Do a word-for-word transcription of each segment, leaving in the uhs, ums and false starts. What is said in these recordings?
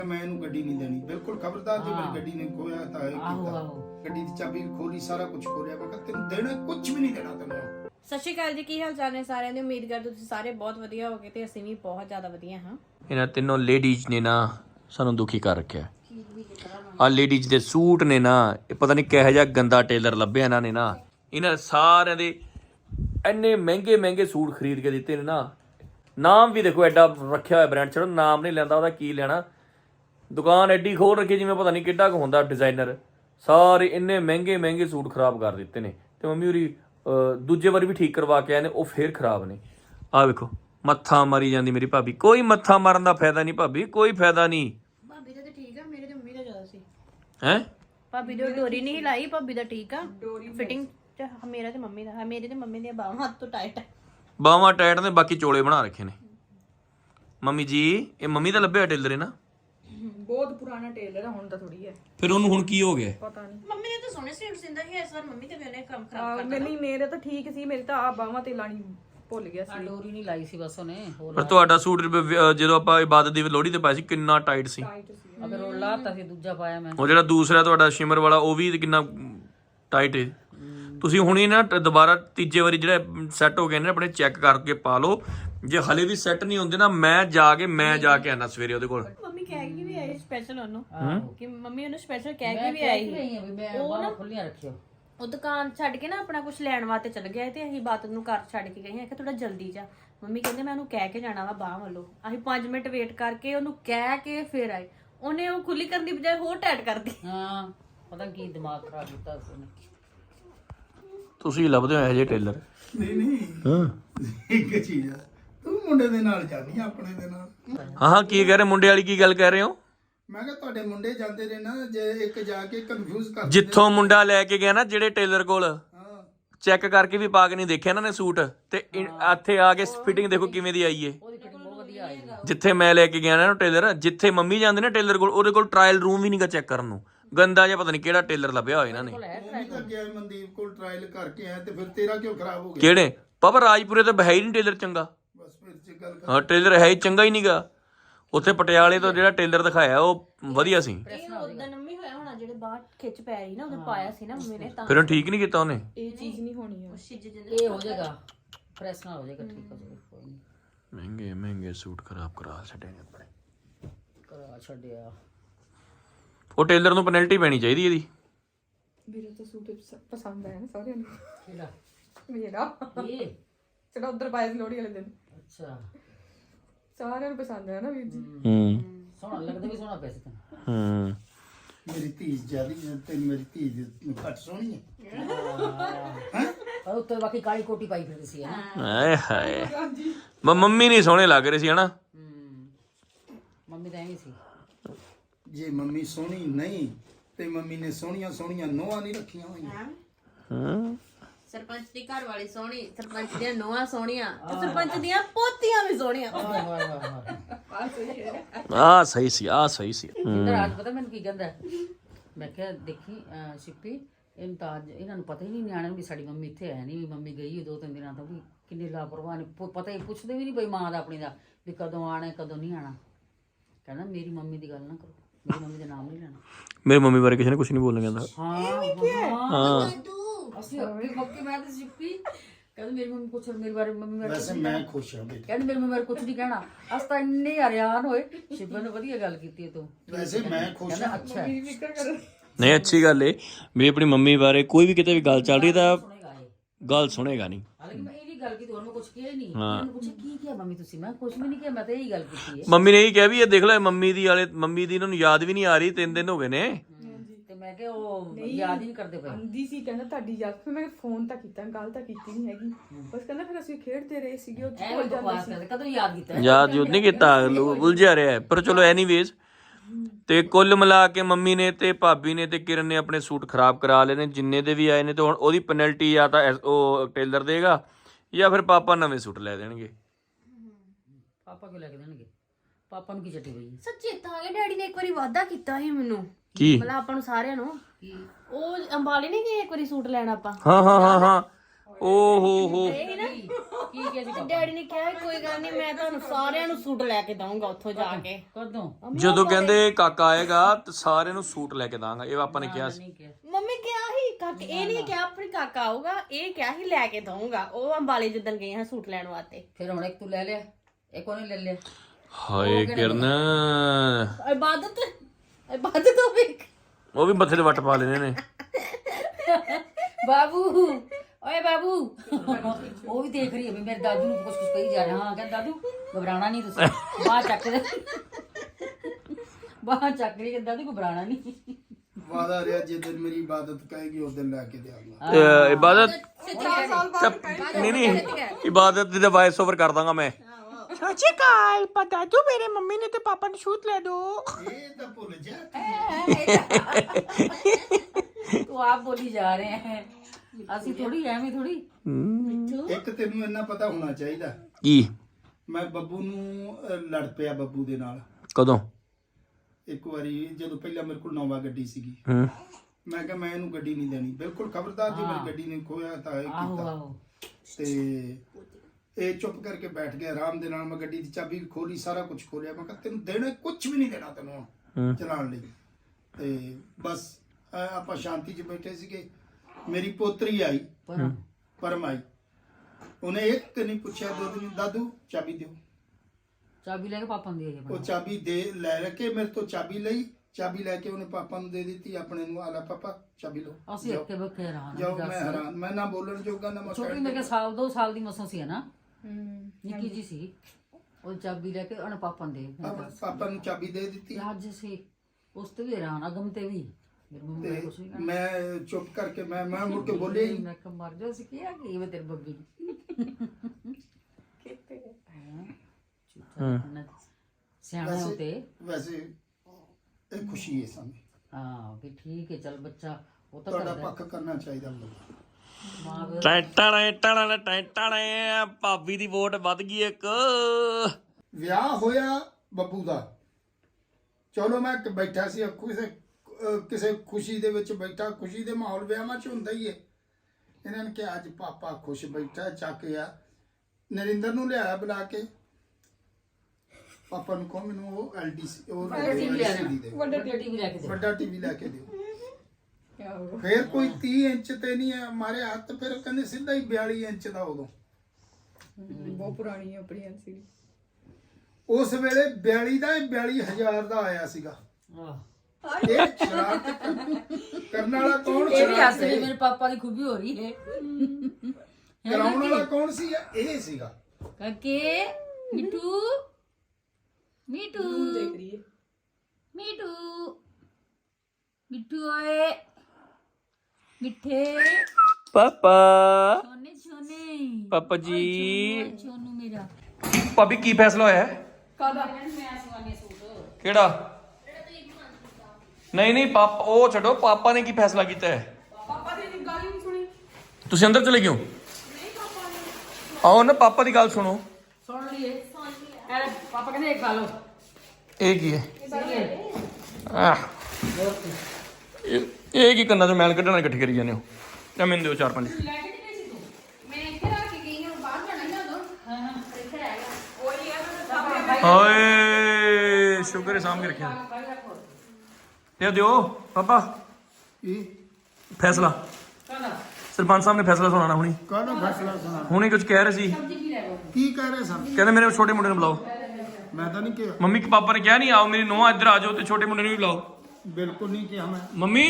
मैं इनू गड्डी नहीं देनी बिल्कुल खबरदार जी मेरी गड्डी ने खोया था गड्डी दी चाबी खोली सारा कुछ खोलिया मैं कहता तेन देना कुछ भी नहीं देना तेन। ਸਤਿ ਸ਼੍ਰੀ ਅਕਾਲ ਜੀ, ਕੀ ਹਾਲ ਚਾਲ ਨੇ ਸਾਰਿਆਂ ਦੇ। ਉਮੀਦ ਕਰਦੇ ਤੁਸੀਂ ਸਾਰੇ ਬਹੁਤ ਵਧੀਆ ਹੋਗੇ ਤੇ ਅਸੀਂ ਵੀ ਬਹੁਤ ਜ਼ਿਆਦਾ ਵਧੀਆ ਹਾਂ। ਇਹਨਾਂ ਤਿੰਨੋਂ ਲੇਡੀਜ਼ ਨੇ ਨਾ ਸਾਨੂੰ ਦੁਖੀ ਕਰ ਰੱਖਿਆ। ਆ ਲੇਡੀਜ਼ ਦੇ ਸੂਟ ਨੇ ਨਾ ਇਹ ਪਤਾ ਨਹੀਂ ਕਿਹੋ ਜਿਹਾ ਗੰਦਾ ਟੇਲਰ ਲੱਭਿਆ ਇਹਨਾਂ ਨੇ ਨਾ। ਇਹਨਾਂ ਸਾਰਿਆਂ ਦੇ ਇੰਨੇ ਮਹਿੰਗੇ ਮਹਿੰਗੇ ਸੂਟ ਖਰੀਦ ਕੇ ਦਿੱਤੇ ਨੇ ਨਾ। ਨਾਮ ਵੀ ਦੇਖੋ ਐਡਾ ਰੱਖਿਆ ਹੋਇਆ ਬ੍ਰਾਂਡ, ਚਲੋ ਨਾਮ ਨਹੀਂ ਲੈਂਦਾ, ਉਹਦਾ ਕੀ ਲੈਣਾ। ਦੁਕਾਨ ਐਡੀ ਖੋਲ ਰੱਖੀ ਜਿਵੇਂ ਪਤਾ ਨਹੀਂ ਕਿੱਡਾ ਕੁ ਹੁੰਦਾ ਡਿਜ਼ਾਈਨਰ। ਸਾਰੇ ਇੰਨੇ ਮਹਿੰਗੇ ਮਹਿੰਗੇ ਸੂਟ ਖਰਾਬ ਕਰ ਦਿੱਤੇ ਨੇ ਤੇ ਮੰਮੀ ਹੋਰੀ ਦੂਜੇ ਵਾਰੀ ਵੀ ਠੀਕ ਕਰਵਾ ਕੇ ਆਏ ਨੇ, ਉਹ ਫੇਰ ਖਰਾਬ ਨੇ। ਆਹ ਵੇਖੋ ਮੱਥਾ ਮਾਰੀ ਜਾਂਦੀ ਮੇਰੀ ਭਾਬੀ। ਕੋਈ ਮੱਥਾ ਮਾਰਨ ਦਾ ਫਾਇਦਾ ਨਹੀਂ ਭਾਬੀ, ਕੋਈ ਫਾਇਦਾ ਨਹੀਂ। ਭਾਬੀ ਦਾ ਤਾਂ ਠੀਕ ਆ, ਮੇਰੇ ਤੇ ਮੰਮੀ ਦਾ ਜ਼ਿਆਦਾ ਸੀ। ਹੈ ਭਾਬੀ ਦੀ ਡੋਰੀ ਨਹੀਂ ਲਾਈ, ਭਾਬੀ ਦਾ ਠੀਕ ਆ ਫਿਟਿੰਗ ਤੇ। ਮੇਰਾ ਤੇ ਮੰਮੀ ਦਾ, ਮੇਰੇ ਤੇ ਮੰਮੀ ਦੀਆਂ ਬਾਹਾਂ ਹੱਥ ਤੋਂ ਟਾਈਟ ਆ। ਬਾਹਾਂ ਟਾਈਟ ਨੇ, ਬਾਕੀ ਚੋਲੇ ਬਣਾ ਰੱਖੇ ਨੇ। ਮੰਮੀ ਜੀ ਇਹ ਮੰਮੀ ਦਾ ਲੱਭਿਆ ਟੇਲਰ ਹੈ ਨਾ? ਬਹੁਤ ਪੁਰਾਣਾ ਟੇਲਰ ਆ, ਹੁਣ ਤਾਂ ਥੋੜੀ ਹੈ। ਫਿਰ ਉਹਨੂੰ ਹੁਣ ਕੀ ਹੋ ਗਿਆ? ਪਤਾ ਨਹੀਂ। ਮੰਮੀ ਨੇ ਤਾਂ ਸੋਹਣੇ ਸੂਟ ਸਿੰਦਾ ਸੀ, ਇਸ ਵਾਰ ਮੰਮੀ ਤੇ ਵੀ ਉਹਨੇ ਕੰਮ ਖਰਾਬ ਕਰ ਨਹੀਂ ਮੇਰੇ ਤਾਂ ਠੀਕ ਸੀ, ਮੇਰੇ ਤਾਂ ਆ ਬਾਹਾਂ ਤੇ ਲਾਣੀ ਭੁੱਲ ਗਿਆ ਸੀ। ਡੋਰੀ ਨਹੀਂ ਲਾਈ ਸੀ ਬਸ ਉਹਨੇ। ਹੋਰ ਪਰ ਤੁਹਾਡਾ ਸੂਟ ਜਦੋਂ ਆਪਾਂ ਇਬਾਦਤ ਦੀ ਲੋਹੜੀ ਤੇ ਪਾਇਆ ਸੀ ਕਿੰਨਾ ਟਾਈਟ ਸੀ। ਅਗਰ ਉਹ ਲਾਤਾ ਸੀ ਦੂਜਾ ਪਾਇਆ ਮੈਂ। ਉਹ ਜਿਹੜਾ ਦੂਸਰਾ ਤੁਹਾਡਾ ਸ਼ਿਮਰ ਵਾਲਾ ਉਹ ਵੀ ਕਿੰਨਾ ਟਾਈਟ ਹੈ। ਤੁਸੀਂ ਹੁਣੀ ਨਾ ਦੁਬਾਰਾ ਤੀਜੇ ਵਾਰੀ ਜਿਹੜਾ ਸੈੱਟ ਹੋ ਗਏ ਨੇ ਆਪਣੇ ਚੈੱਕ ਕਰਕੇ ਪਾ ਲਓ। ਜੇ ਹਲੇ ਵੀ ਸੈੱਟ ਨਹੀਂ ਹੁੰਦੇ ਨਾ ਮੈਂ ਜਾ ਕੇ ਮੈਂ ਜਾ ਕੇ ਆਣਾ ਸਵੇਰੇ ਉਹਦੇ ਕੋਲ। ਮੰਮੀ ਕਹਿ ਕੇ ਵੀ ਆਈ ਸਪੈਸ਼ਲ ਉਹਨੂੰ ਕਿ ਮੰਮੀ ਉਹਨੂੰ ਸਪੈਸ਼ਲ ਕਹਿ ਕੇ ਮੈਂ ਵੀ ਆਈ ਨਹੀਂ ਆ ਵੀ ਮੈਂ ਬਾਹਾਂ ਖੁੱਲੀਆਂ ਰੱਖਿਓ। ਉਹ ਦੁਕਾਨ ਛੱਡ ਕੇ ਨਾ ਆਪਣਾ ਕੁਝ ਲੈਣ ਵਾਸਤੇ ਚਲ ਗਿਆ ਤੇ ਅਸੀਂ ਬਾਤ ਨੂੰ ਘਰ ਛੱਡ ਕੇ ਗਏ ਹਾਂ ਕਿ ਥੋੜਾ ਜਲਦੀ ਜਾ। ਮੰਮੀ ਕਹਿੰਦੇ ਮੈਂ ਉਹਨੂੰ ਕਹਿ ਕੇ ਜਾਣਾ ਵਾ ਬਾਹ ਵੱਲੋਂ। ਅਸੀਂ ਪੰਜ ਮਿੰਟ ਵੇਟ ਕਰਕੇ ਉਹਨੂੰ ਕਹਿ ਕੇ ਫੇਰ ਆਏ। ਉਹਨੇ ਉਹ ਖੁੱਲੀ ਕਰਨ ਦੀ ਬਜਾਏ ਹੋਰ ਟਾਈਟ ਕਰਦੀ। ਹਾਂ ਪਤਾ ਕੀ ਦਿਮਾਗ ਖਰਾਬ ਕੀਤਾ ਉਸਨੇ। ਤੁਸੀਂ ਲੱਭਦੇ ਹੋ ਇਹੋ ਜਿਹੇ ਟੇਲਰ? ਨਹੀਂ ਨਹੀਂ ਹਾਂ ਇੱਕ ਚੀਜ਼ ਆ, ਤੂੰ ਮੁੰਡੇ ਦੇ ਨਾਲ ਜਾਨੀ ਆਪਣੇ ਦੇ ਨਾਲ। ਹਾਂ ਹਾਂ ਕੀ ਕਹਿ ਰਹੇ? ਮੁੰਡੇ ਵਾਲੀ ਕੀ ਗੱਲ ਕਹਿ ਰਹੇ ਹੋ? ਮੈਂ ਕਿਹਾ ਤੁਹਾਡੇ ਮੁੰਡੇ ਜਾਂਦੇ ਨੇ ਨਾ ਜੇ ਇੱਕ ਜਾ ਕੇ ਕਨਫਿਊਜ਼ ਕਰ ਜਿੱਥੋਂ ਮੁੰਡਾ ਲੈ ਕੇ ਗਿਆ ਨਾ ਜਿਹੜੇ ਟੇਲਰ ਕੋਲ, ਹਾਂ ਚੈੱਕ ਕਰਕੇ ਵੀ ਪਾ ਕੇ ਨਹੀਂ ਦੇਖਿਆ ਇਹਨਾਂ ਨੇ ਸੂਟ ਤੇ ਇੱਥੇ ਆ ਕੇ ਫਿਟਿੰਗ ਦੇਖੋ ਕਿਵੇਂ ਦੀ ਆਈ ਏ। ਉਹਦੀ ਫਿਟਿੰਗ ਬਹੁਤ ਵਧੀਆ ਆਈ। ਜਿੱਥੇ ਮੈਂ ਲੈ ਕੇ ਗਿਆ ਨਾ ਟੇਲਰ, ਜਿੱਥੇ ਮੰਮੀ ਜਾਂਦੇ ਨੇ ਟੇਲਰ ਕੋਲ, ਉਹਦੇ ਕੋਲ ਟ੍ਰਾਇਲ ਰੂਮ ਵੀ ਨਹੀਂਗਾ ਚੈੱਕ ਕਰਨ ਨੂੰ। ਗੰਦਾ ਜਿਹਾ ਪਤਾ ਨਹੀਂ ਕਿਹੜਾ ਟੇਲਰ ਲੱਭਿਆ ਹੋਇਆ ਇਹਨਾਂ ਨੇ। ਉਹ ਵੀ ਤਾਂ ਗਿਆ ਮਨਦੀਪ ਕੋਲ ਟ੍ਰਾਇਲ ਕਰਕੇ ਆਇਆ ਤੇ ਫਿਰ ਤੇਰਾ ਕਿਉਂ ਖਰਾਬ ਹੋ ਗਿਆ? ਕਿਹੜੇ ਪਾਪਾ? ਰਾਜਪੁਰੇ ਤਾਂ ਹੈ ਹੀ ਨਹੀਂ ਟੇਲਰ ਚੰਗਾ। ਬਸ ਫਿਰ ਚ ਗੱਲ ਕਰ। ਹਾਂ ਟੇਲਰ ਹੈ ਹੀ ਚੰਗਾ ਹੀ ਨਹੀਂਗਾ। ਉੱਥੇ ਪਟਿਆਲੇ ਤੋਂ ਜਿਹੜਾ ਟੇਲਰ ਦਿਖਾਇਆ ਉਹ ਵਧੀਆ ਸੀ। ਇਹ ਉਦੋਂ ਮੰਮੀ ਹੋਇਆ ਹੋਣਾ ਜਿਹੜੇ ਬਾਹਰ ਖਿੱਚ ਪੈ ਰਹੀ ਨਾ, ਉਦੋਂ ਪਾਇਆ ਸੀ ਨਾ ਮੰਮੀ ਨੇ ਤਾਂ। ਫਿਰ ਉਹ ਠੀਕ ਨਹੀਂ ਕੀਤਾ ਉਹਨੇ। ਇਹ ਚੀਜ਼ ਨਹੀਂ ਹੋਣੀ ਆ। ਛਿੱਜ ਇਹ ਹੋ ਜਾਏਗਾ ਪ੍ਰੈਸ ਨਾਲ ਹੋ ਜਾਏਗਾ, ਠੀਕ ਹੋ ਜਾਏਗਾ। ਕੋਈ ਨਹੀਂ ਮਹਿੰਗੇ ਮਹਿੰਗੇ ਸੂਟ ਖਰਾਬ ਕਰਾ ਛੱਡੇ ਨੇ ਆਪਣੇ। ਕਰਾ ਛੱਡਿਆ। ਉਹ ਟੇਲਰ ਨੂੰ ਪੈਨਲਟੀ ਪੈਣੀ ਚਾਹੀਦੀ ਇਹਦੀ। ਵੀਰੇ ਤਾਂ ਸੂਟ ਪਸੰਦ ਆਇਆ ਨਾ ਸਾਰਿਆਂ ਨੂੰ। ਕਿਹੜਾ? ਮੇਰਾ ਇਹ ਜਿਹੜਾ ਉਧਰ ਪਾਇਆ ਸੀ ਲੋਹੜੀ ਵਾਲੇ ਦਿਨ, ਅੱਛਾ ਸਾਰਿਆਂ ਨੂੰ ਪਸੰਦ ਆਇਆ ਨਾ ਵੀਰ ਜੀ। ਹੂੰ ਸੋਹਣਾ ਲੱਗਦਾ ਵੀ ਸੋਹਣਾ ਪੈਸੇ ਤਾਂ। ਹੂੰ ਮੇਰੀ ਧੀ ਜਿਆਦੀ ਤੇ ਮੇਰੀ ਧੀ ਦੀ ਘੱਟ ਸੋਹਣੀ ਹੈ। ਪਰ ਉੱਤੇ ਬਾਕੀ ਕਾਲੀ ਕੋਟੀ ਪਾਈ ਫਿਰਦੀ ਸੀ ਨਾ। ਆਏ ਹਾਏ ਮ- ਮੰਮੀ ਨਹੀਂ ਸੋਹਣੇ ਲੱਗ ਰਹੇ ਸੀ ਹਨਾ। ਹੂੰ ਮੰਮੀ ਤਾਂ ਐਵੇਂ ਸੀ। ਜੇ ਮੰਮੀ ਸੋਹਣੀ ਨਹੀਂ ਤੇ ਮੰਮੀ ਨੇ ਸੋਹਣੀਆਂ ਸੋਹਣੀਆਂ ਨੋਹਾਂ ਨਹੀਂ ਰੱਖੀਆਂ ਹੋਈਆਂ। ਹੂੰ ਸਰਪੰਚ ਦੀ ਘਰ ਵਾਲੀ ਸੋਹਣੀ, ਸਰਪੰਚ ਦੀਆਂ ਨੋਹਾਂ ਸੋਹਣੀਆਂ ਤੇ ਸਰਪੰਚ ਦੀਆਂ ਪੋਤੀਆਂ ਵੀ ਸੋਹਣੀਆਂ। ਹਾਏ ਹਾਏ ਹਾਏ ਹਾਏ। ਆ ਸਹੀ ਸੀ, ਆ ਸਹੀ ਸੀ। ਇੰਦਰ ਅੱਜ ਪਤਾ ਮੈਨੂੰ ਕੀ ਕਹਿੰਦਾ? ਮੈਂ ਕਿਹਾ ਦੇਖੀ ਅਹ ਸ਼ਿੱਪੀ ਇਹਨੂੰ ਤਾਂ ਅੱਜ ਇਹਨਾਂ ਨੂੰ ਪਤਾ ਹੀ ਨਹੀਂ, ਨਿਆਣਿਆਂ ਨੂੰ ਵੀ ਸਾਡੀ ਮੰਮੀ ਇੱਥੇ ਹੈ ਨਹੀਂ, ਵੀ ਮੰਮੀ ਗਈ ਦੋ ਤਿੰਨ ਦਿਨਾਂ ਤੋਂ। ਵੀ ਕਿੰਨੇ ਲਾਪਰਵਾਹ ਨੇ, ਪੁ- ਪਤਾ ਹੀ ਪੁੱਛਦੇ ਵੀ ਨਹੀਂ ਬਈ ਮਾਂ ਦਾ ਆਪਣੀ ਦਾ ਵੀ ਕਦੋਂ ਆਣਾ ਕਦੋਂ ਨਹੀਂ ਆਣਾ। ਕਹਿੰਦਾ ਮੇਰੀ ਮੰਮੀ ਦੀ ਗੱਲ ਨਾ ਕਰੋ, ਮੇਰੀ ਮੰਮੀ ਦਾ ਨਾਮ ਨਹੀਂ ਲੈਣਾ। ਮੇਰੇ ਮੰਮੀ ਬਾਰੇ ਕਿਸੇ ਨੇ ਕੁਝ ਨਹੀਂ ਬੋਲਣਾ ਕਹਿੰਦਾ। ਹਾਂ ਹਾਂ ਅਸੀਂ ਅੱਗੇ ਬੱਕੇ ਮੈਂ ਤੇ ਸ਼ਿੱਪੀ ਕਹਿੰਦਾ ਮੇਰੀ ਮੰਮੀ ਪੁੱਛ ਮੇਰੀ ਬਾਰੇ ਮੰਮੀ ਬਾਰੇ ਵੈਸੇ ਮੈਂ ਖੁਸ਼ ਹਾਂ ਬੇਟਾ। ਕਹਿੰਦੀ ਮੇਰੀ ਮੰਮੀ ਬਾਰੇ ਕੁਝ ਨਹੀਂ ਕਹਿਣਾ। ਅਸ ਤਾਂ ਇੰਨੇ ਹਰਿਆਣ ਹੋਏ। ਸ਼ਿੱਪੀ ਨੇ ਵਧੀਆ ਗੱਲ ਕੀਤੀ ਤੂੰ। ਵੈਸੇ ਮੈਂ ਖੁਸ਼ ਕਹਿੰਦਾ ਹਾਂ। ਅੱਛਾ ਫਿਕਰ ਕਰ। ਨਹੀਂ ਅੱਛੀ ਗੱਲ ਏ। ਮੇਰੀ ਆਪਣੀ ਮੰਮੀ ਬਾਰੇ ਕੋਈ ਵੀ ਕਿਤੇ ਵੀ ਗੱਲ ਚੱਲ ਰਹੀ ਤਾਂ ਸੁਣੇਗਾ ਇਹ। ਗੱਲ ਸੁਣੇਗਾ ਨਹੀਂ। ਹਾਲਾਂਕਿ ਮੈਂ ਇਹਦੀ ਗੱਲ ਕੀਤੀ, ਹੋਰ ਮੈਂ ਕੁਝ ਕਿਹਾ ਹੀ ਨਹੀਂ। ਮੈਨੂੰ ਪੁੱਛਿਆ ਕੀ ਕਿਹਾ ਮੰਮੀ ਤੁਸੀਂ? ਮੈਂ ਕੁਝ ਵੀ ਨਹੀਂ ਕਿਹਾ, ਮੈਂ ਤਾਂ ਇਹੀ ਗੱਲ ਕੀਤੀ ਹੈ। ਮੰਮੀ ਨੇ ਇਹ ਕਿਹਾ ਵੀ ਇਹ ਦੇਖ ਲੈ ਮੰਮੀ ਦੀ ਵਾਲੇ ਮੰਮੀ ਦੀ ਇਹਨਾਂ ਨੂੰ ਯਾਦ ਵੀ ਨਹੀਂ ਆ ਰਹੀ, ਤਿੰਨ ਦਿਨ ਹੋ ਗਏ ਨੇ। ਤੇ ਮੈਂ ਕਿਹਾ ਉਹ ਯਾਦ ਹੀ ਨਹੀਂ ਕਰਦੇ ਪਏ। ਆਂਦੀ ਸੀ ਕਹਿੰਦਾ ਤੁਹਾਡੀ ਯਾਦ। ਫਿਰ ਮੈਂ ਫੋਨ ਤਾਂ ਕੀਤਾ, ਗੱਲ ਤਾਂ ਕੀਤੀ ਨਹੀਂ ਹੈਗੀ। ਬਸ ਕਹਿੰਦਾ ਫਿਰ ਅਸੀਂ ਖੇਡਦੇ ਰਹੇ ਸੀਗੇ, ਉਹ ਐਵੇਂ ਬਕਵਾਸ ਕਰਦੇ। ਕਦੋਂ ਯਾਦ ਕੀਤਾ? ਯਾਦ ਯੂਦ ਨਹੀਂ ਕੀਤਾ, ਉਲਝਿਆ ਰਿਹਾ ਹੈ। ਪਰ ਚਲੋ ਐਨੀਵੇਜ਼ ਤੇ ਕੁੱਲ ਮਿਲਾ ਕੇ ਮੰਮੀ ਨੇ ਤੇ ਭਾਬੀ ਨੇ ਤੇ ਕਿਰਨ ਨੇ ਆਪਣੇ ਸੂਟ ਖਰਾਬ ਕਰਾ ਲਏ ਨੇ ਜਿੰਨੇ ਦੇ ਵੀ ਆਏ ਨੇ। ਤੇ ਹੁਣ ਉਹਦੀ ਪੈਨਲਟੀ ਜਾਂ ਤਾਂ ਉਹ ਟੇਲਰ ਦੇਗਾ ਜਾਂ ਫਿਰ ਪਾਪਾ ਨਵੇਂ ਸੂਟ ਲੈ ਦੇਣਗੇ। ਪਾਪਾ ਕਿਉਂ ਲੈ ਕੇ ਦੇਣਗੇ? ਪਾਪਾ ਨੂੰ ਕੀ ਚੱਟੀ ਪਈ? ਸੱਚੀ ਤਾਂ ਆ ਗਿਆ। ਡੈਡੀ ਨੇ ਇੱਕ ਵਾਰੀ ਵਾਅਦਾ ਕੀਤਾ ਸੀ ਮੈਨੂੰ, ਕੀ? ਮਤਲਬ ਆਪਾਂ ਨੂੰ ਸਾਰਿਆਂ ਨੂੰ। ਉਹ ਅੰਬਾਲੇ ਨਹੀਂ ਗਏ ਇੱਕ ਵਾਰੀ ਸੂਟ ਲੈਣ ਆਪਾਂ? ਹਾਂ ਹਾਂ ਹਾਂ ਹਾਂ ਓ ਹੋ ਹੋ ਇਹ ਨਾ ਕੀ ਕਿਹਾ ਸੀ ਡੈਡੀ ਨੇ ਕਿਹਾ ਕੋਈ ਗੱਲ ਨਹੀਂ ਮੈਂ ਤੁਹਾਨੂੰ ਸਾਰਿਆਂ ਨੂੰ ਸੂਟ ਲੈ ਕੇ ਦਊਂਗਾ ਉੱਥੋਂ ਜਾ ਕੇ। ਕਦੋਂ? ਜਦੋਂ ਕਹਿੰਦੇ ਕਾਕਾ ਆਏਗਾ ਤੇ ਸਾਰਿਆਂ ਨੂੰ ਸੂਟ ਲੈ ਕੇ ਦਾਂਗਾ, ਇਹ ਆਪਾਂ ਨੇ ਕਿਹਾ ਸੀ। ਨਹੀਂ ਕਿਹਾ। ਮੰਮੀ ਕਿਹਾ ਹੀ ਕਾਕੇ, ਇਹ ਨਹੀਂ ਕਿਹਾ ਆਪਣੀ ਕਾਕਾ ਆਊਗਾ, ਇਹ ਕਿਹਾ ਹੀ ਲੈ ਕੇ ਦਊਂਗਾ। ਉਹ ਅੰਬਾਲੇ ਜਿੱਦਣ ਗਏ ਹਾਂ ਸੂਟ ਲੈਣ ਵਾਸਤੇ। ਫਿਰ ਹੁਣ ਇੱਕ ਤੂੰ ਲੈ ਲਿਆ, ਇੱਕ ਉਹਨੇ ਲੈ ਲਿਆ। ਹਾਏ ਕਿਰਨ, ਇਬਾਦਤ ਇਬਾਦਤ ਹੋ ਗਈ। ਉਹ ਵੀ ਮੱਥੇ ਤੇ ਵੱਟ ਪਾ ਲੈਣੇ ਨੇ। ਬਾਬੂ ਓਏ ਬਾਬੂ ਉਹ ਵੀ ਦੇਖ ਰਹੀ ਹੈ ਵੀ ਮੇਰੇ ਦਾਦੂ ਨੂੰ ਕੁਝ ਕੁਝ ਕਹੀ ਜਾ ਰਿਹਾ। ਹਾਂ ਕਹਿੰਦਾ ਦਾਦੂ ਘਬਰਾਣਾ ਨਹੀਂ, ਤੁਸੀਂ ਬਾਹ ਚੱਕ ਦੇ, ਬਾਹ ਚੱਕ ਰਹੀ। ਕਹਿੰਦਾ ਦਾਦੂ ਘਬਰਾਣਾ ਨਹੀਂ। ਵਾਦਾ ਰਿਹਾ ਜੇ ਦਿਨ ਮੇਰੀ ਇਬਾਦਤ ਕਹੇਗੀ ਉਸ ਦਿਨ ਲੈ ਕੇ ਦੇਵਾਂਗਾ। ਅਹ ਇਬਾਦਤ ਨਹੀਂ ਨਹੀਂ ਇਬਾਦਤ ਦੀ ਤਾਂ ਵਾਇਸ ਓਵਰ ਕਰ ਦਾਂਗਾ ਮੈਂ। ਸੱਚੀ ਕਾਲ ਪਤਾ ਤੂੰ ਮੇਰੇ ਮੰਮੀ ਨੇ ਤੇ ਪਾਪਾ ਨੂੰ ਸ਼ੂਟ ਲੈ ਦੋ। ਇਹ ਤਾਂ ਭੁੱਲ ਜਾ। ਤੂੰ ਆਪ ਬੋਲੀ ਜਾ ਰਹੇ ਹੈ, ਅਸੀਂ ਥੋੜੀ ਐਵੇਂ ਥੋੜੀ। ਇੱਕ ਤੈਨੂੰ ਇੰਨਾ ਪਤਾ ਹੋਣਾ ਚਾਹੀਦਾ, ਕੀ? ਮੈਂ ਬੱਬੂ ਨੂੰ ਅਹ, ਲੜ ਪਿਆ ਬੱਬੂ ਦੇ ਨਾਲ ਕਦੋਂ? ਇੱਕ ਵਾਰੀ ਜਦੋਂ ਪਹਿਲਾਂ ਮੇਰੇ ਕੋਲ ਨੋਵਾ ਗੱਡੀ ਸੀਗੀ। ਹੂੰ ਮੈਂ ਕਿਹਾ ਮੈਂ ਇਹਨੂੰ ਗੱਡੀ ਨਹੀਂ ਦੇਣੀ, ਬਿਲਕੁਲ ਖਬਰਦਾਰ ਜੇ ਮੇਰੀ ਗੱਡੀ ਨੇ ਖੋਇਆ ਤਾਂ ਇਹ ਆਹੋ ਕੀਤਾ। ਆਹੋ ਤੇ ਇਹ ਚੁੱਪ ਕਰਕੇ ਬੈਠ ਗਿਆ ਆਰਾਮ ਦੇ ਨਾਲ। ਮੈਂ ਗੱਡੀ ਦੀ ਚਾਬੀ ਖੋਲੀ, ਸਾਰਾ ਕੁਝ ਖੋਲਿਆ। ਮੈਂ ਕਿਹਾ ਤੈਨੂੰ ਦੇਣਾ ਕੁਝ ਵੀ ਨਹੀਂ ਦੇਣਾ ਤੈਨੂੰ ਹੂੰ। ਚਲਾਉਣ ਲਈ। ਤੇ ਬਸ ਅਹ ਆਪਾਂ ਸ਼ਾਂਤੀ 'ਚ ਬੈਠੇ ਸੀਗੇ। ਮੇਰੀ ਪੋਤਰੀ ਆਈ, ਪਰ ਪਰਮ ਆਈ। ਉਹਨੇ ਇੱਕ ਨਹੀਂ ਪੁੱਛਿਆ, ਦੋ ਦਿਨ ਦਾਦੂ ਚਾਬੀ ਦਿਓ। ਚਾਬੀ ਲੈ ਕੇ ਪਾਪਾ ਨੂੰ ਦੇ ਉਹ ਦੇ। ਚਾਬੀ ਦੇ ਲੈ ਰੱਖੇ ਮੇਰੇ ਤੋਂ, ਚਾਬੀ ਲਈ, ਚਾਬੀ ਲੈ ਕੇ ਉਹਨੇ ਪਾਪਾ ਨੂੰ ਦੇ ਦਿੱਤੀ, ਆਪਣੇ ਨੂੰ ਆਲਾ ਪਾਪਾ ਚਾਬੀ ਲਓ ਅਸੀਂ ਅੱਕੇ ਬੱਕੇ ਰਹਾਂ ਜਾਓ। ਮੈਂ ਹੈਰਾਨ, ਮੈਂ ਨਾ ਬੋਲਣ ਜੋਗਾ ਨਾ ਮੈਂ ਛੋਟੀ ਮੇਰੇ ਸਾਲ ਦੋ ਸਾਲ ਦੀ ਮਸਾਂ ਸੀ ਨਾ, ਨਿੱਕੀ ਜੀ ਸੀ। ਉਹ ਚਾਬੀ ਲੈ ਕੇ ਉਹਨੇ ਪਾਪਾ ਨੂੰ ਦੇ ਦਿੱਤੀ। ਪਾਪਾ ਨੂੰ ਚਾਬੀ ਦੇ ਦਿੱਤੀ। ਅੱਜ ਸੀ ਉਸ ਤੇ ਵੀ ਹੈਰਾਨ, ਅਗਮ ਤੇ ਵੀ ਮੇਰੇ ਮੰਮੀ ਨੇ ਕੁਛ ਨਹੀਂ ਤੇ ਕਹਿਣਾ। ਮੈਂ ਚੁੱਪ ਕਰਕੇ ਮੈਂ ਮੈਂ ਮੁੜ ਕੇ ਬੋਲਿਆ ਹੀ ਨਹੀਂ। ਮੈਂ ਕਿਹਾ ਮਰ ਜਾ, ਸੀ ਕਿਹਾ ਕਿ ਇਹ ਤੇਰੇ ਬੱਬੀ ਹੂੰ ਸਿਆਣਾ ਹੋ ਤੇ। ਵੈਸੇ ਇਹ ਖੁਸ਼ੀ ਹੈ ਸਾਨੂੰ, ਹਾਂ ਵੀ ਠੀਕ ਹੈ, ਚੱਲ ਬੱਚਾ ਉਹ ਤਾਂ ਤੁਹਾਡਾ ਕਰਦਾ ਪੱਖ ਕਰਨਾ ਚਾਹੀਦਾ ਮੈਨੂੰ। ਮਾਂ ਪਿਓ ਟੈਂਟਾਣੇ ਟਾਣੇ ਟੈਂਟਾਣੇ ਭਾਬੀ ਦੀ ਵੋਟ ਵੱਧ ਗਈ ਇੱਕ। ਵਿਆਹ ਹੋਇਆ ਬੱਬੂ ਦਾ, ਚਲੋ ਮੈਂ ਇੱਕ ਬੈਠਾ ਸੀ ਕਿਸੇ ਅਹ ਕਿਸੇ ਖੁਸ਼ੀ ਦੇ ਵਿੱਚ ਬੈਠਾ, ਖੁਸ਼ੀ ਦੇ ਮਾਹੌਲ ਵਿਆਹਾਂ 'ਚ ਹੁੰਦਾ ਹੀ ਹੈ। ਇਹਨਾਂ ਨੇ ਕਿਹਾ ਅੱਜ ਪਾਪਾ ਖੁਸ਼ ਬੈਠਾ, ਚੱਕ ਆ ਨਰਿੰਦਰ ਨੂੰ ਲਿਆਇਆ ਬੁਲਾ ਕੇ। ਪਾਪਾ ਨੂੰ ਕਹੋ ਮੈਨੂੰ ਉਹ ਐਲਡੀ ਉਹ ਟੀਵੀ ਲਿਆ LCD ਦੇ ਵੱਡਾ ਟੀਵੀ ਲੈ ਕੇ ਦੇ। ਵੱਡਾ ਟੀਵੀ ਲੈ ਕੇ ਦਿਓ। ਫਿਰ ਕੋਈ ਤੀਹ ਇੰਚ ਤੇ ਨਹੀਂ ਹੈ ਮਾਰੇ ਹੱਥ, ਫਿਰ ਕਹਿੰਦੇ ਸਿੱਧਾ ਹੀ ਬਿਆਲੀ ਇੰਚ ਦਾ। ਉਦੋਂ ਬਹੁਤ ਪੁਰਾਣੀ ਹੈ ਆਪਣੀ ਐਲਸੀਡੀ। ਉਸ ਵੇਲੇ ਬਿਆਲੀ ਦਾ ਇਹ ਬਿਆਲੀ ਹਜ਼ਾਰ ਦਾ ਆਇਆ ਸੀਗਾ। ਆਹ ਇਹ ਸ਼ਰਾਰਤ ਕਰਨ ਵਾਲਾ ਕੌਣ ਇਹ ਵੀ ਹੱਸ ਸ਼ਰਾਰਤ ਰਹੀ, ਇਹ? ਮੇਰੇ ਪਾਪਾ ਦੀ ਖੂਬੀ ਹੋ ਰਹੀ ਹੈ। ਕਰਾਉਣ ਵਾਲਾ ਕੌਣ ਸੀ? ਇਹ ਸੀਗਾ। ਕਾਕੇ ਮਿੱਠੂ ਮਿੱਠੂ ਦੇਖ ਰਹੀ ਹੈ। ਮਿੱਠੂ ਮਿੱਠੂ ਓਏ ਮਿੱਠੇ ਪਾਪਾ ਸੋਨੇ ਸੋਨੇ ਪਾਪਾ ਜੀ ਸੋਨੂ ਮੇਰਾ। ਭਾਬੀ ਕੀ ਫੈਸਲਾ ਹੋਇਆ ਹੈ? ਕਾਦਾ? ਮੈਂ ਸਵਾਨੇ ਸੂਟ ਕਿਹੜਾ? ਨਹੀਂ ਨਹੀਂ ਪਾਪਾ ਉਹ ਛੱਡੋ, ਪਾਪਾ ਨੇ ਕੀ ਫੈਸਲਾ ਕੀਤਾ ਹੈ? ਪਾਪਾ ਦੀ ਗੱਲ ਹੀ ਨਹੀਂ ਸੁਣੀ। ਤੁਸੀਂ ਅੰਦਰ ਚਲੇ ਕਿਉਂ? ਆਓ ਨਾ ਪਾਪਾ ਦੀ ਗੱਲ ਸੁਣੋ। ਸੁਣ ਲਈਏ ਇਹ ਪਾਪਾ ਕਹਿੰਦੇ ਇਹ ਖਾ ਲਓ। ਇਹ ਕੀ ਹੈ? ਸਹੀ ਹੈ ਆਹ ਇਹ ਇਹ ਕੀ ਕੰਨਾਂ ਚੋਂ ਮੈਲ ਕੱਢਣਾ ਇਕੱਠੀ ਕਰੀ ਜਾਂਦੇ ਹੋ? ਜਾਂ ਮੈਨੂੰ ਦਿਓ ਚਾਰ ਪੰਜ। ਲੈ ਕੇ ਨਹੀਂ ਸੀ ਤੂੰ? ਮੈਂ ਇੱਥੇ ਰੱਖ ਕੇ ਗਈ ਹਾਂ, ਬਾਹਰ ਜਾਣਾ ਹੀ ਨਾ ਉਦੋਂ। ਹਾਂ ਹਾਂ ਇੱਥੇ ਰਹਿ ਗਿਆ। ਉਹੀ ਹੈ ਹਾਏ ਸ਼ੁਕਰ ਹੈ ਸਾਂਭ ਕੇ ਰੱਖਿਆ। ਤੇ ਦਿਓ ਪਾਪਾ ਇਹ ਫੈਸਲਾ। ਕਾਹਦਾ? ਸਰਪੰਚ ਸਾਹਿਬ ਨੇ ਫੈਸਲਾ ਸੁਣਾਉਣਾ ਹੁਣੀ। ਕਾਹਦਾ ਫੈਸਲਾ ਸੁਣਾ? ਹੁਣੇ ਕੁਝ ਕਹਿ ਰਹੇ ਸੀ, ਕੀ ਕਹਿ ਰਹੇ ਸਨ? ਕਹਿੰਦੇ ਮੇਰੇ ਛੋਟੇ ਮੁੰਡੇ ਨੂੰ ਬੁਲਾਓ। ਮੈਂ ਤਾਂ ਨਹੀਂ ਕਿਹਾ, ਮੰਮੀ ਪਾਪਾ ਨੇ ਕਿਹਾ ਨਹੀਂ ਆਓ ਮੇਰੀ ਨੂੰਹ ਇੱਧਰ ਆ ਜਾਓ ਤੇ ਛੋਟੇ ਮੁੰਡੇ ਨੂੰ ਵੀ ਬੁਲਾਓ। ਬਿਲਕੁਲ ਨਹੀਂ ਕਿਹਾ ਮੈਂ। ਮੰਮੀ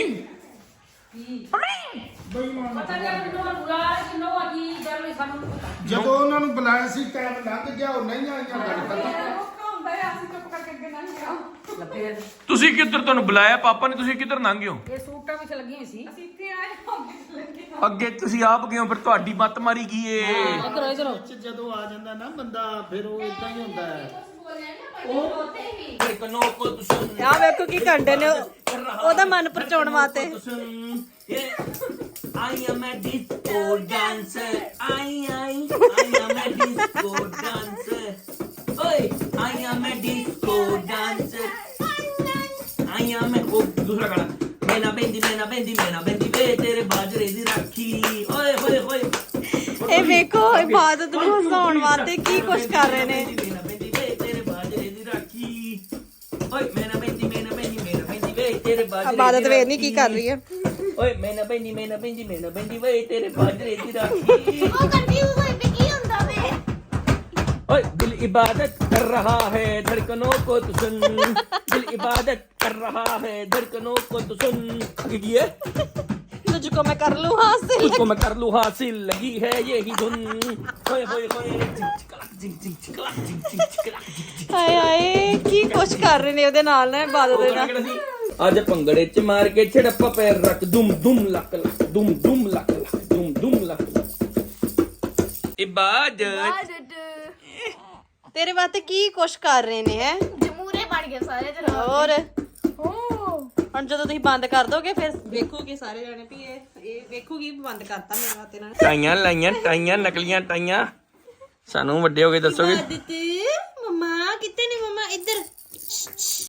ਬੇਈਮਾਨ। ਪਤਾ ਨਹੀਂ ਮੈਨੂੰ ਬੁਲਾ ਕਿ ਨੋ ਆ ਕੀ ਗੱਲ ਨਹੀਂ ਸਾਨੂੰ ਪਤਾ। ਜਦੋਂ ਉਹਨਾਂ ਨੂੰ ਬੁਲਾਇਆ ਸੀ ਟਾਈਮ ਲੰਘ ਗਿਆ, ਉਹ ਨਹੀਂ ਆਈਆਂ ਗੱਲ ਖਤਮ। ਔਖਾ ਹੁੰਦਾ ਹੈ, ਅਸੀਂ ਚੁੱਪ ਕਰਕੇ ਅੱਗੇ ਲੰਘ ਗਿਆ। ਲੱਭੇ ਤੁਸੀਂ ਕਿੱਧਰ, ਤੁਹਾਨੂੰ ਬੁਲਾਇਆ ਪਾਪਾ ਨੇ, ਤੁਸੀਂ ਕਿੱਧਰ ਲੰਘ ਗਏ ਹੋ? ਇਹ ਸੂਟਾਂ ਵਿੱਚ ਲੱਗੀ ਹੋਈ ਸੀ। ਅਸੀਂ ਇੱਥੇ ਆਏ ਅੱਗੇ ਲੱਗੇ। ਅੱਗੇ ਤੁਸੀਂ ਆਪ ਗਏ ਹੋ, ਫਿਰ ਤੁਹਾਡੀ ਮੱਤ ਮਾਰੀ ਗਈ ਏ। ਇਧਰੋ ਇਧਰੋ ਵਿੱਚ ਜਦੋਂ ਆ ਜਾਂਦਾ ਨਾ ਬੰਦਾ, ਫਿਰ ਉਹ ਇਦਾਂ ਹੀ ਹੁੰਦਾ ਹੈ। ਆ ਵੇਖੋ ਕੀ ਕੰਡੇ ਨੇ ਉਹਦਾ ਮਨ ਪਰਚਾਉਣ ਵਾਸਤੇ। I am a disco dancer. I I I am a disco dancer. Oi, I am a disco dancer. I am a oh, दूसरा गाना। मैना बेंदी मैना बेंदी मैना बेंदी वे तेरे बाजरे दी राखी। ओए होए होए ਇਹ ਵੇਖੋ ਇਬਾਦਤ ਨੂੰ ਹਸਾਉਣ ਵਾਸਤੇ ਕੀ ਕੁਛ ਕਰ ਰਹੇ ਨੇ। ਇਬਾਦਤ ਵੇਖ ਨਹੀਂ ਕੀ ਕਰ ਰਹੀ ਹੈ। ਓਏ ਮੈਂ ਨਾ ਪੈਂਦੀ ਮੈਂ ਨਾ ਪੈਂਦੀ ਮੈਂ ਨਾ ਪੈਂਦੀ ਵੇ ਤੇਰੇ ਬਾਜਰੇ ਦੀ ਰਾਖੀ। ਉਹ ਕੰਫਿਊਜ਼ ਹੋਈ ਵੀ ਕੀ ਹੁੰਦਾ ਵੇ। ओए दिल इबादत कर रहा है धड़कनों को तो सुन दिल इबादत कर रहा है धड़कनों को तो सुन लगी है तुझको मैं कर लूं हासिल। उसको मैं कर लूं हासिल लगी है यही धुन होए होए होए जिंग चिकला जिंग जिंग चिकला जिंग जिंग चिकला ਹਾਏ ਹਾਏ ਕੀ ਕੁਛ ਕਰ ਰਹੇ ਨੇ ਉਹਦੇ ਨਾਲ ਨਾ ਇਬਾਦਤ ਦੇ ਨਾਲ। ਅੱਜ ਭੰਗੜੇ ਚ ਮਾਰ ਕੇ ਛੜੱਪਾ ਪੈਰ ਰੱਖ ਦੁਮ ਦੁਮ ਲੱਕ ਲੱਕ ਦੁਮ ਦੁਮ ਲੱਕ ਲੱਕ ਦੁਮ ਦੁਮ ਲੱਕ ਇਬਾਦਤ ਤੇਰੇ ਵਾਸਤੇ ਕੀ ਕੁਛ ਕਰ ਰਹੇ ਨੇ ਹੈ। ਜਮੂਰੇ ਬਣ ਗਏ ਸਾਰੇ ਜਰਾ। ਹੋਰ ਹੁਣ ਜਦੋਂ ਤੁਸੀਂ ਬੰਦ ਕਰ ਦੋਗੇ ਫਿਰ ਵੇਖੋਗੇ ਸਾਰੇ ਜਾਣੇ ਵੀ ਇਹ ਇਹ ਵੇਖੋਗੀ ਬੰਦ ਕਰਤਾ ਮੇਰੇ ਵਾਸਤੇ ਨਾ। ਟਾਈਆਂ ਲਾਈਆਂ ਟਾਈਆਂ ਨਕਲੀਆਂ ਟਾਈਆਂ ਸਾਨੂੰ ਵੱਡੇ ਹੋ ਕੇ ਦੱਸੋਗੇ ਆਦਤ ਮਮਾ ਕਿੱਥੇ ਨੇ ਮਮਾ ਇੱਧਰ